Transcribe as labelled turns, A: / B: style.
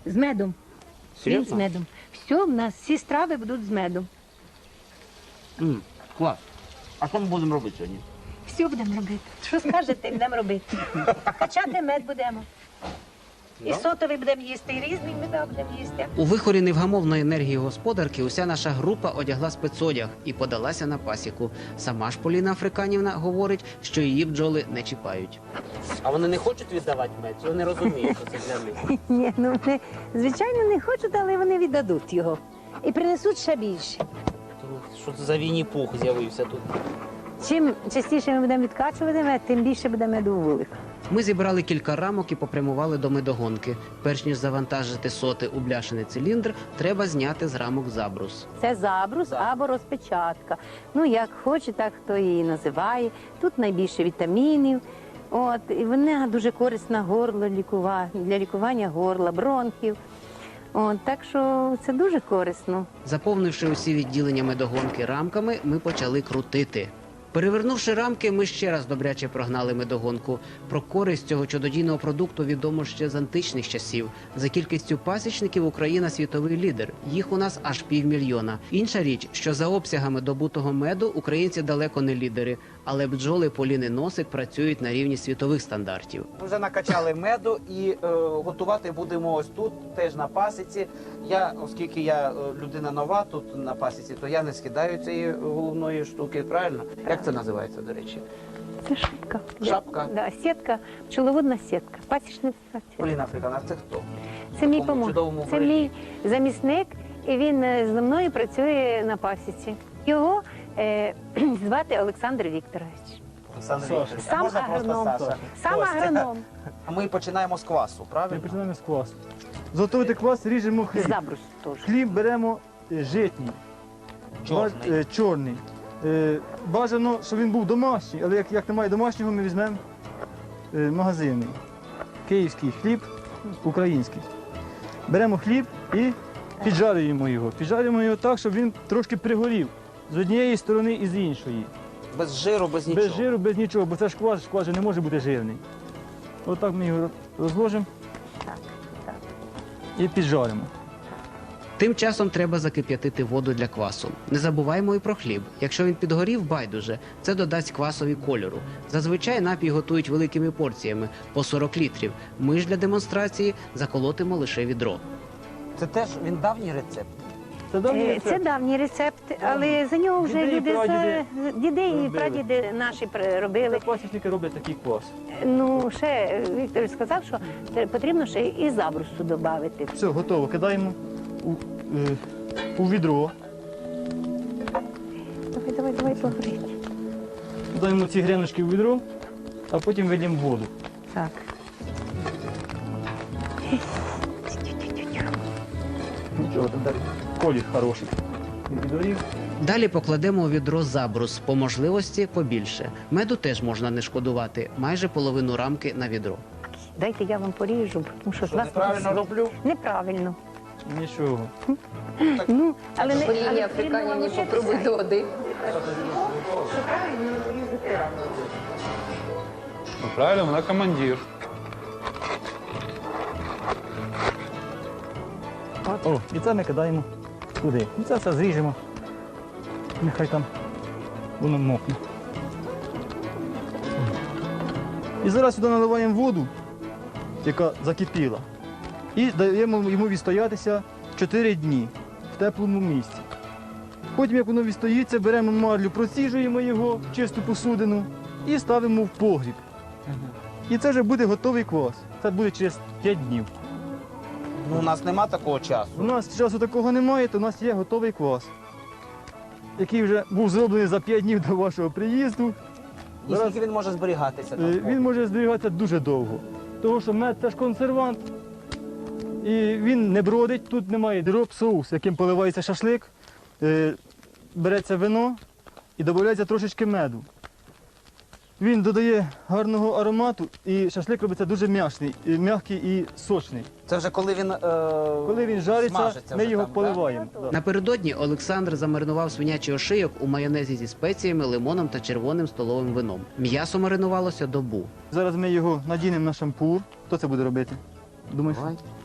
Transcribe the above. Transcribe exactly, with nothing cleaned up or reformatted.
A: З медом. Хліб з
B: Серйозно?
A: медом. Все, в нас всі страви будуть з медом.
B: М, клас. А що ми будемо робити сьогодні?
A: Все будемо робити. Що скажете, будемо робити. Качати мед будемо. І сотовий будемо їсти, і різний меда будемо їсти.
C: У вихорі невгамовної енергії господарки уся наша група одягла спецодяг і подалася на пасіку. Сама ж Поліна Африканівна говорить, що її бджоли не чіпають.
B: А вони не хочуть віддавати мед? Чи вони розуміють, що це для них?
A: Ні, ну вони, звичайно, не хочуть, але вони віддадуть його. І принесуть ще більше.
B: Що це за Вінні-Пух з'явився тут?
A: Чим частіше ми будемо відкачувати мед, тим більше буде меду у вулик.
C: Ми зібрали кілька рамок і попрямували до медогонки. Перш ніж завантажити соти у бляшений циліндр, треба зняти з рамок забрус.
A: Це забрус або розпечатка. Ну, як хоче, так хто її називає. Тут найбільше вітамінів. От, і вона дуже корисна горло лікува... для лікування горла, бронхів. От, так що це дуже корисно.
C: Заповнивши усі відділення медогонки рамками, ми почали крутити. Перевернувши рамки, ми ще раз добряче прогнали медогонку. Про користь цього чудодійного продукту відомо ще з античних часів. За кількістю пасічників Україна світовий лідер. Їх у нас аж півмільйона. Інша річ, що за обсягами добутого меду українці далеко не лідери. Але бджоли Поліни Носик працюють на рівні світових стандартів.
B: Ми вже накачали меду і е, готувати будемо ось тут, теж на пасіці. Я, оскільки я е, людина нова тут на пасіці, то я не скидаю цієї головної штуки, правильно? Як це називається, до речі?
A: Це шапка.
B: Шапка?
A: Да, сітка, пчеловодна сітка, пасічниця.
B: Поліна Африканівна, це хто?
A: Це мій
B: Такому чудовому
A: помог. Це
B: вигляді.
A: мій замісник, і він е, зі мною працює на пасіці. Його е, звати Олександр Вікторович.
B: Олександр
D: Саша.
B: Вікторович. А
A: Сам
B: можна просто
A: агроном.
B: Саша?
A: Сам
B: Костя.
A: агроном.
B: А ми починаємо з квасу,
D: Ми
B: правильно?
D: починаємо з квасу. Зготовити квас, ріжемо хліб.
A: Забрус теж.
D: Хліб беремо е, житній,
B: Чорний.
D: Баж- е, чорний. Е, Бажано, щоб він був домашній, але як, як немає домашнього, ми візьмемо е, магазинний. Київський хліб, український. Беремо хліб і піджарюємо його. Піджарюємо його так, щоб він трошки пригорів з однієї сторони і з іншої.
B: Без жиру, без нічого.
D: Без жиру, без нічого, бо це ж квас, квас же не може бути жирний. Отак ми його розложимо
A: Так, так.
D: і піджаримо.
C: Тим часом треба закип'ятити воду для квасу. Не забуваємо і про хліб. Якщо він підгорів, байдуже. Це додасть квасові кольору. Зазвичай напій готують великими порціями – по сорок літрів. Ми ж для демонстрації заколотимо лише відро.
B: Це теж він давній рецепт.
D: Це давній
A: Е, Це
D: рецепт.
A: давній рецепт, але за нього вже
D: Діди і
A: люди,
D: прадіди
A: за... діди і
D: робили.
A: прадіди наші пр-
D: Це
A: робили.
D: пасічники роблять такий квас.
A: Ну, ще е, Віктор сказав, що те- потрібно ще і забрусу додати.
D: Все, готово. Кидаємо у, е, у відро.
A: Давай, давай, давай, погорить.
D: Кидаємо ці гріночки у відро, а потім вилємо воду.
A: Так.
D: Нічого, там далі колір хороший. Він підгорів.
C: Далі покладемо у відро забрус, по можливості побільше. Меду теж можна не шкодувати, майже половину рамки на відро.
A: Дайте я вам поріжу, тому що з
B: Що,
A: вас
B: неправильно
A: буде-
B: роблю?
A: Неправильно.
D: Нічого.
A: Ну, але не
E: Поліні
A: але
E: Африканівні
A: потрібно навчитися.
E: попробуй до води.
A: Що правильно різати.
F: Ну, правильно, вона командир.
D: О, і це ми кидаємо туди. І це все зріжемо. Нехай там воно мокне. І зараз сюди наливаємо воду, яка закипіла. І даємо йому відстоятися чотири дні в теплому місці. Потім, як воно відстоїться, беремо марлю, проціжуємо його в чисту посудину і ставимо в погріб. І це вже буде готовий квас. Це буде через п'ять днів.
B: Ну, у нас нема такого часу.
D: У нас часу такого немає, то у нас є готовий квас, який вже був зроблений за п'ять днів до вашого приїзду.
B: І
D: Зараз
B: скільки він може зберігатися?
D: е,
B: там?
D: він може зберігатися дуже довго, тому що мед це ж консервант, і він не бродить, тут немає дроб, соус, яким поливається шашлик, е, береться вино і додається трошечки меду. Він додає гарного аромату, і шашлик робиться дуже м'ясний, і м'який і сочний.
B: Це вже коли він, е...
D: Коли він жариться,
B: смажиться
D: ми
B: вже
D: його
B: там, да?
D: поливаємо. Да?
C: Напередодні Олександр замаринував свинячий ошийок у майонезі зі спеціями, лимоном та червоним столовим вином. М'ясо маринувалося добу.
D: Зараз ми його надінемо на шампур. Хто це буде робити? Думаєш?
B: Давай.